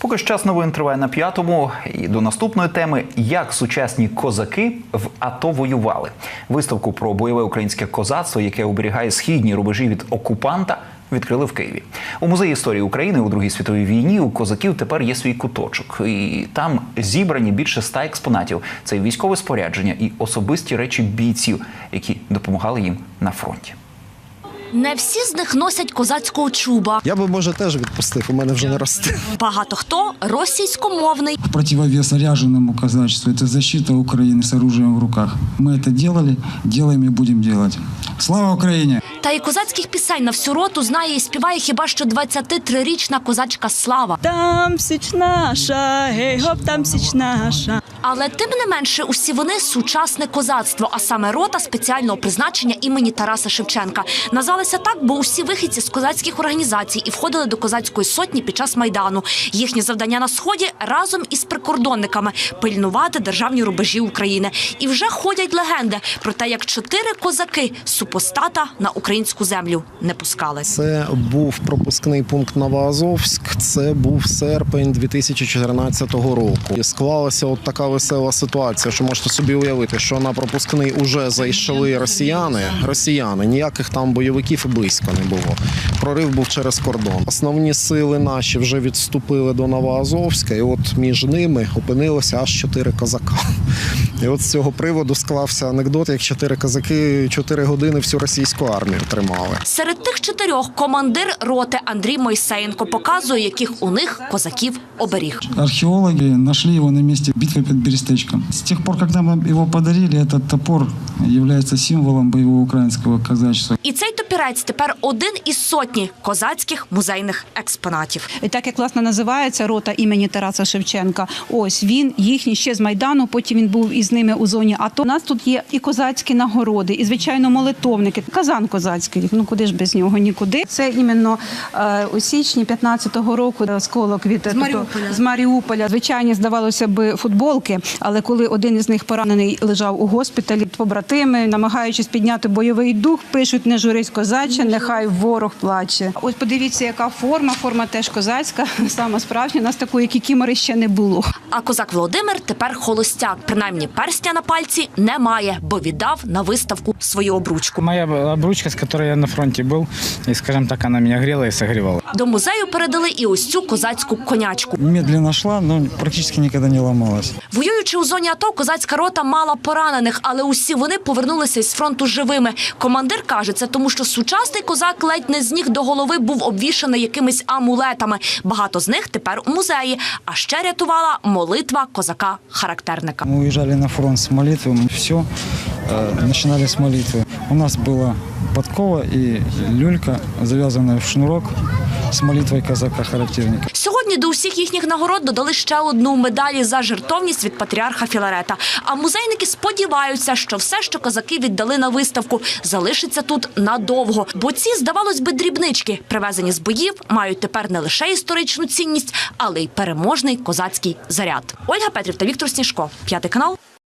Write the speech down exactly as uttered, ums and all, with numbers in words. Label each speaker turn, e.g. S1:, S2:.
S1: Поки ж час новин триває на п'ятому. І до наступної теми – як сучасні козаки в АТО воювали. Виставку про бойове українське козацтво, яке оберігає східні рубежі від окупанта, відкрили в Києві. У Музеї історії України у Другій світовій війні у козаків тепер є свій куточок. І там зібрані більше ста експонатів. Це і військове спорядження, і особисті речі бійців, які допомагали їм на фронті.
S2: Не всі з них носять козацького чуба.
S3: Я би, може, теж відпустив, у мене вже не росте.
S2: Багато хто російськомовний.
S4: Противовес ряженому казачеству – это защита Украины с оружием в руках. Мы это делали, делаем и будем делать. Слава Україні!
S2: Та й козацьких пісень на всю роту знає і співає хіба що двадцятитрирічна козачка Слава.
S5: Там січ наша, гей-гоп, там січ наша.
S2: Але тим не менше усі вони – сучасне козацтво, а саме рота спеціального призначення імені Тараса Шевченка. Назвалися так, бо усі вихідці з козацьких організацій і входили до козацької сотні під час Майдану. Їхнє завдання на Сході – разом із прикордонниками – пильнувати державні рубежі України. І вже ходять легенди про те, як чотири козаки супостата на українську землю не пускали.
S3: Це був пропускний пункт Новоазовськ, це був серпень дві тисячі чотирнадцятого року. І склалася от така весела ситуація, що можете собі уявити, що на пропускний уже зайшли росіяни, росіяни, ніяких там бойовиків і близько не було. Прорив був через кордон. Основні сили наші вже відступили до Новоазовська, і от між ними опинилося аж чотири козака. І от з цього приводу склався анекдот, як чотири козаки чотири години всю російську армію тримали.
S2: Серед тих чотирьох командир роти Андрій Мойсеєнко показує, яких у них козаків оберіг.
S4: Археологи нашли его на месте битвы под Берестечком. С тех пор, когда нам его подарили, этот топор является символом боевого украинского казачества.
S2: І цей топірець тепер один із сотні козацьких музейних експонатів.
S5: І так як, власне, називається рота імені Тараса Шевченка, ось він, їхній ще з Майдану, потім він був із ними у зоні АТО. У нас тут є і козацькі нагороди, і, звичайно, молитовники. Казан козацький, ну куди ж без нього, нікуди. Це іменно е, у січні п'ятнадцятого року осколок від з Маріуполя. з Маріуполя. Звичайно, здавалося б, футболки, але коли один із них поранений лежав у госпіталі, побратими, намагаючись підняти бойовий дух, пишуть: не журись, козаче, нехай ворог плаче. Ось подивіться, яка форма, форма теж козацька, сама справжня, у нас такої кікімори ще не було.
S2: А козак Володимир тепер холостяк. Принаймні перстня на пальці не має, бо віддав на виставку свою обручку.
S6: Моя обручка, з якою я на фронті був, і, скажімо так, вона мене гріла і согрівала.
S2: До музею передали і ось цю козацьку конячку.
S4: Медленно шла, но практически никогда не ломалась.
S2: Воюючи у зоні АТО, козацька рота мала поранених, але усі вони повернулися із фронту живими. Командир каже, це тому, що сучасний козак ледь не з ніг до голови був обвішаний якимись амулетами. Багато з них тепер у музеї. А ще рятувала молитва козака-характерника.
S4: Мы уезжали на фронт с молитвы, мы все э, начинали с молитвы. У нас была подкова и люлька, завязанная в шнурок, з молитвою козака-характерника.
S2: Сьогодні до усіх їхніх нагород додали ще одну медаль за жертовність від патріарха Філарета. А музейники сподіваються, що все, що козаки віддали на виставку, залишиться тут надовго. Бо ці, здавалось би, дрібнички, привезені з боїв, мають тепер не лише історичну цінність, але й переможний козацький заряд. Ольга Петрів та Віктор Сніжко. П'ятий канал.